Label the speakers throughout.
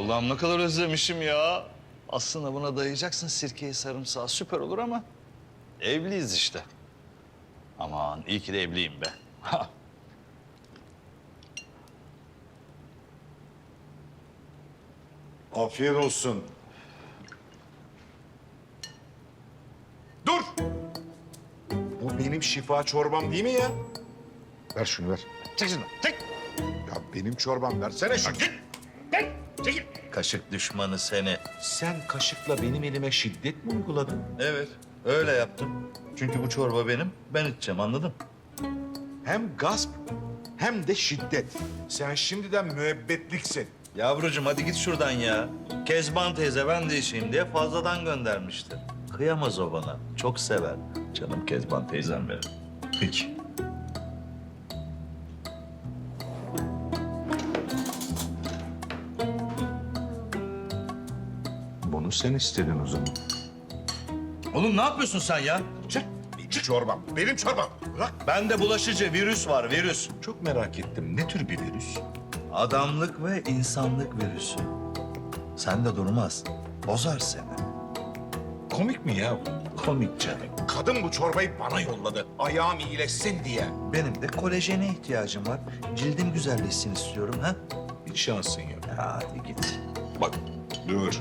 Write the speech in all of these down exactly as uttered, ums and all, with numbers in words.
Speaker 1: Allah'ım ne kadar özlemişim ya. Aslında buna dayayacaksın sirkeyi, sarımsağı, süper olur ama evliyiz işte. Aman iyi ki de evliyim be.
Speaker 2: Afiyet olsun. Dur! Bu benim şifa çorbam değil mi ya? Ver şunu ver.
Speaker 1: Çek şunu, çek.
Speaker 2: Ya benim çorbam, versene şunu.
Speaker 1: Kaşık düşmanı seni.
Speaker 2: Sen kaşıkla benim elime şiddet mi uyguladın?
Speaker 1: Evet, öyle yaptım. Çünkü bu çorba benim, ben içeceğim, anladın?
Speaker 2: Hem gasp hem de şiddet. Sen şimdiden müebbetliksin.
Speaker 1: Yavrucuğum hadi git şuradan ya. Kezban teyze ben de içeyim diye fazladan göndermişti. Kıyamaz o bana, çok sever. Canım Kezban teyzem benim.
Speaker 2: Peki. Bunu sen istedin o zaman.
Speaker 1: Oğlum ne yapıyorsun sen ya?
Speaker 2: Çık. Benim çorbam. Benim çorbam. Bırak.
Speaker 1: Bende bulaşıcı virüs var, virüs.
Speaker 2: Çok merak ettim. Ne tür bir virüs?
Speaker 1: Adamlık ve insanlık virüsü. Sen de durmaz, bozar seni.
Speaker 2: Komik mi ya?
Speaker 1: Komik canım.
Speaker 2: Kadın bu çorbayı bana yolladı. Ayağım iyileşsin diye.
Speaker 1: Benim de kolajene ihtiyacım var. Cildim güzelleşsin istiyorum ha.
Speaker 2: Bir şansın yok.
Speaker 1: Hadi git.
Speaker 2: Bak. Dur.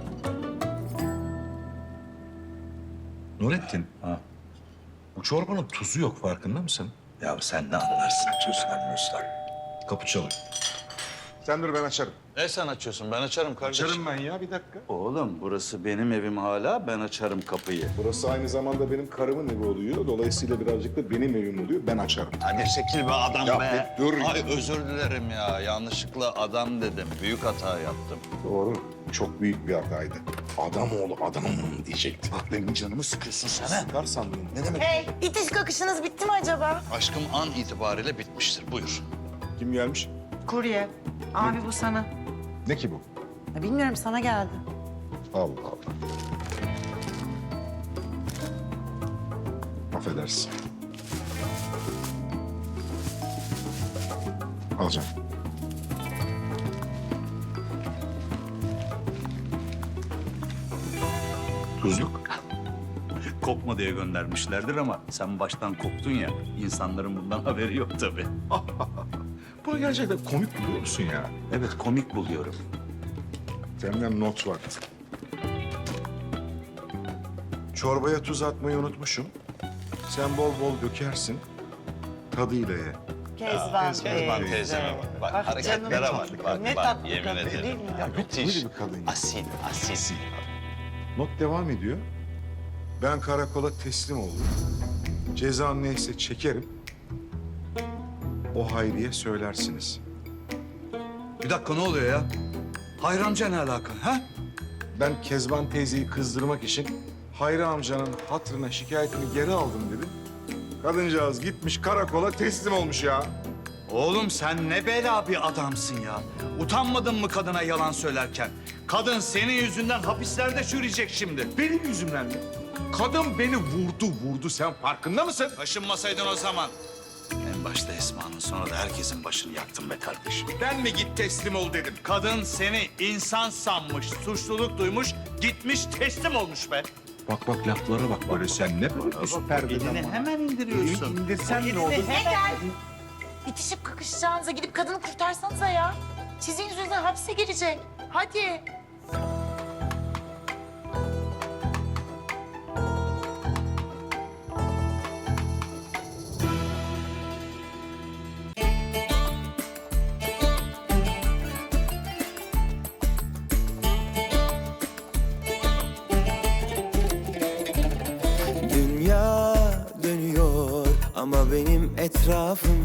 Speaker 2: Nurettin.
Speaker 1: Ha.
Speaker 2: Bu çorbanın tuzu yok, farkında mısın?
Speaker 1: Ya sen ne anlarsın tuzdan muzdan?
Speaker 2: Kapı çalıyor. Sen dur, ben açarım.
Speaker 1: Ne sen açıyorsun? Ben açarım kardeşim.
Speaker 2: Açarım ben ya, bir dakika.
Speaker 1: Oğlum burası benim evim hala. Ben açarım kapıyı.
Speaker 3: Burası aynı zamanda benim karımın evi oluyor. Dolayısıyla birazcık da benim evim oluyor. Ben açarım.
Speaker 1: Hadi çekil be adam
Speaker 3: Ya
Speaker 1: be.
Speaker 3: bir dur.
Speaker 1: Ay özür dilerim ya. Yanlışlıkla adam dedim. Büyük hata yaptım.
Speaker 3: Doğru. Çok büyük bir hataydı. Adam oğlu adam diyecektim.
Speaker 1: Bak benim canımı sıkıyorsun sen ha.
Speaker 3: Sıkar sandım.
Speaker 1: Ne demek?
Speaker 4: Hey, itiş kakışınız bitti mi acaba?
Speaker 1: Aşkım an itibariyle bitmiştir. Buyur.
Speaker 3: Kim gelmiş?
Speaker 4: Kurye. Abi bu sana.
Speaker 3: Ne ki bu?
Speaker 4: Ya bilmiyorum, sana geldi.
Speaker 3: Allah Allah. Affedersin. Alacağım. Tuzluk.
Speaker 1: Kokma diye göndermişlerdir ama sen baştan koktun ya. İnsanların bundan haberi yok tabii.
Speaker 3: Bunu gerçekten komik buluyor musun ya?
Speaker 1: Evet komik buluyorum.
Speaker 3: Senden not var.
Speaker 2: Çorbaya tuz atmayı unutmuşum. Sen bol bol dökersin. Tadıyla ye.
Speaker 4: Kezban
Speaker 1: Kezban teyzeme bak. Bak
Speaker 4: Ah,
Speaker 1: hareketlere
Speaker 4: canım,
Speaker 1: bak.
Speaker 4: çok
Speaker 1: Bak
Speaker 4: ne
Speaker 1: bak
Speaker 4: tatlı
Speaker 1: yemin
Speaker 4: kadın,
Speaker 1: ederim.
Speaker 4: değil mi?
Speaker 1: Ya
Speaker 2: Böyle
Speaker 1: müthiş.
Speaker 2: bir kadın ya.
Speaker 1: Asil, asil.
Speaker 2: Not devam ediyor. Ben karakola teslim oldum. Cezam neyse çekerim. O Hayri'ye söylersiniz.
Speaker 1: Bir dakika ne oluyor ya? Hayri amca ne alaka ha?
Speaker 2: Ben Kezban teyzeyi kızdırmak için Hayri amcanın hatırına şikayetini geri aldım dedim. Kadıncağız gitmiş karakola teslim olmuş ya.
Speaker 1: Oğlum sen ne bela bir adamsın ya. Utanmadın mı kadına yalan söylerken? Kadın senin yüzünden hapislerde çürüyecek şimdi.
Speaker 2: Benim yüzümden mi? Kadın beni vurdu vurdu, sen farkında mısın?
Speaker 1: Kaşınmasaydın o zaman. En başta Esma'nın sonra da herkesin başını yaktın be kardeşim.
Speaker 2: Ben mi git teslim ol dedim?
Speaker 1: Kadın seni insan sanmış, suçluluk duymuş, gitmiş teslim olmuş be.
Speaker 2: Bak bak laflara bak böyle, sen ne böyle üst perdeden
Speaker 1: Elini
Speaker 2: bana?
Speaker 1: hemen indiriyorsun.
Speaker 2: İndirsen ne olur?
Speaker 4: Hemen. İtişip kakışacağınıza gidip kadını kurtarsanıza ya. Sizin yüzünüzden hapse girecek. Hadi.
Speaker 5: Dünya dönüyor ama benim etrafım